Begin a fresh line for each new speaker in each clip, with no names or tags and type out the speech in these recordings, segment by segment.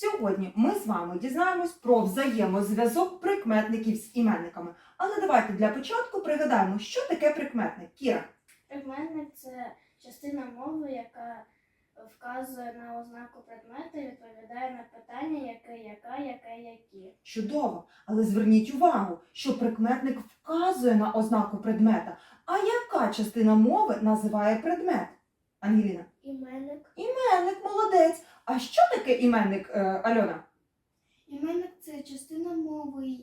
Сьогодні ми з вами дізнаємось про взаємозв'язок прикметників з іменниками. Але давайте для початку пригадаємо, що таке прикметник. Кіра.
Прикметник – це частина мови, яка вказує на ознаку предмета і відповідає на питання яке, які.
Чудово! Але зверніть увагу, що прикметник вказує на ознаку предмета. А яка частина мови називає предмет? Ангеліна?
Іменник.
Іменник, молодець. А що таке іменник, Альона?
Іменник – це частина мови,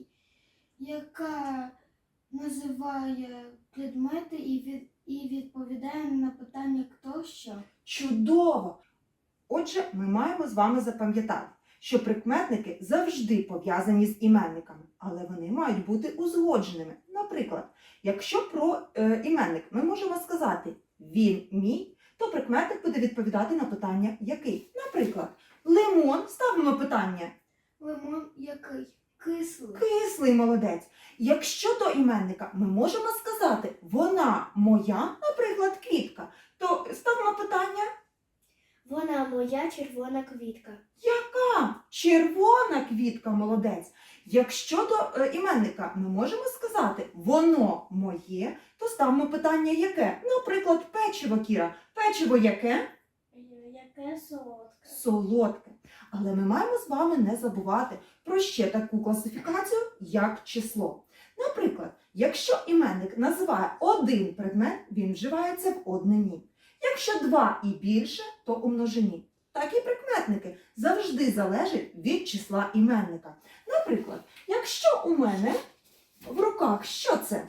яка називає предмети і відповідає на питання «хто що».
Чудово! Отже, ми маємо з вами запам'ятати, що прикметники завжди пов'язані з іменниками, але вони мають бути узгодженими. Наприклад, якщо про іменник ми можемо сказати «він мій», то прикметник буде відповідати на питання «який?». Наприклад, лимон, ставимо питання
Лимон який? Кислий.
«кислий», молодець. Якщо до іменника ми можемо сказати «вона моя», наприклад, квітка, то ставимо питання
Вона моя червона квітка.
«яка?» Червона квітка, молодець. Якщо до іменника ми можемо сказати «воно моє», то ставимо питання «яке?». Наприклад, печиво, Кіра. Печиво яке?
Яке солодке.
Солодке. Але ми маємо з вами не забувати про ще таку класифікацію, як число. Наприклад, якщо іменник називає один предмет, він вживається в однині. Якщо два і більше, то у множині. Так і прикметники завжди залежать від числа іменника. Наприклад, якщо у мене в руках що це?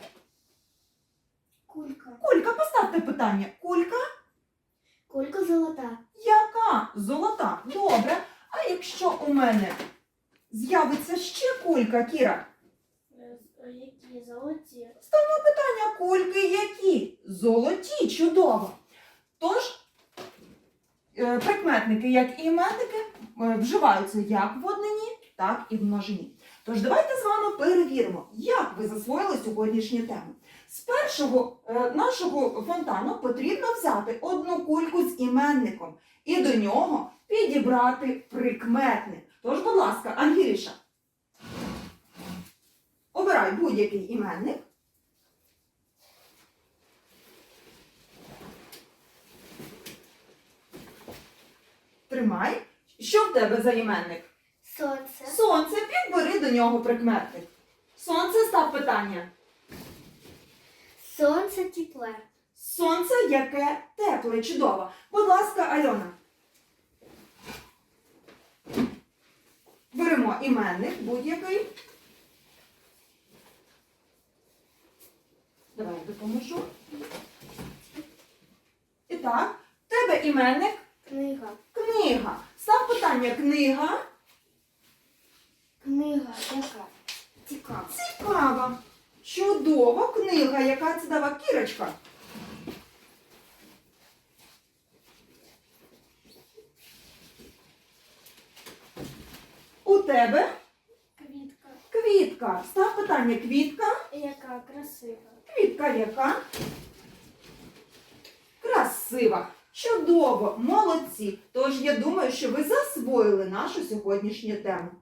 Кулька.
Кулька, поставте питання. Кулька?
Кулька золота.
Яка? Золота. Добре. А якщо у мене з'явиться ще кулька, Кіра?
Які золоті.
Ставимо питання, кульки які? Золоті, чудово. Тож, прикметники, як і іменники, вживаються як в однині, так і в множині. Тож давайте з вами перевіримо, як ви засвоїли сьогоднішню тему. З першого нашого фонтану потрібно взяти одну кульку з іменником і до нього підібрати прикметник. Тож, будь ласка, Ангеліша, обирай будь-який іменник. Тримай. Що в тебе за іменник?
Сонце.
Сонце. Підбери до нього прикметник. Сонце, став питання.
Сонце тепле.
Сонце яке тепле, чудово. Будь ласка, Альона. Беремо іменник будь-який. Давай я допоможу. І так, в тебе іменник.
Книга.
Книга. Став питання книга.
Книга яка? Цікава.
Цікава. Чудова книга. Яка це дава Кірочка? У тебе
Квітка.
квітка. Став питання квітка.
Яка красива.
Квітка яка? Красива. Чудово. Молодці. Тож я думаю, що ви засвоїли нашу сьогоднішню тему.